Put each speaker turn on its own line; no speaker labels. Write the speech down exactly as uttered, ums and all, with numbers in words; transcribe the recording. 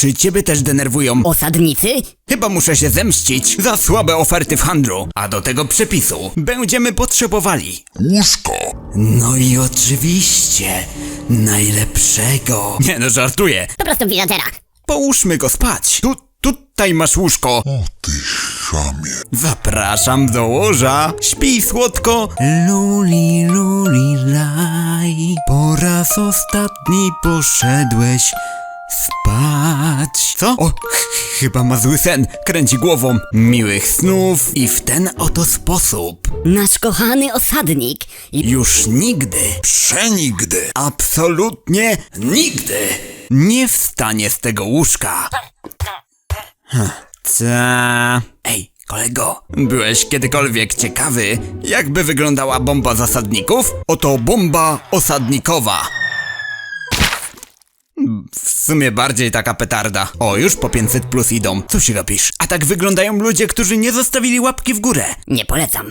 Czy ciebie też denerwują?
Osadnicy?
Chyba muszę się zemścić za słabe oferty w handlu. A do tego przepisu będziemy potrzebowali
Łóżko.
no i oczywiście najlepszego. Nie no, żartuję.
Po prostu widzatera.
Połóżmy go spać. Tu, tutaj masz łóżko.
O ty chamie.
Zapraszam do łoża. Śpij słodko. Luli, luli, laj. Po raz ostatni poszedłeś spać. Co? O, ch- chyba ma zły sen. Kręci głową. Miłych snów i w ten oto sposób
Nasz kochany osadnik. I
już nigdy,
Przenigdy.
absolutnie nigdy nie wstanie z tego łóżka. Hm, ca... Ej, kolego, byłeś kiedykolwiek ciekawy, jakby wyglądała bomba zasadników? Oto bomba osadnikowa. W sumie bardziej taka petarda. O, już po pięćset plus idą. Co się robisz? A tak wyglądają ludzie, którzy nie zostawili łapki w górę.
nie polecam.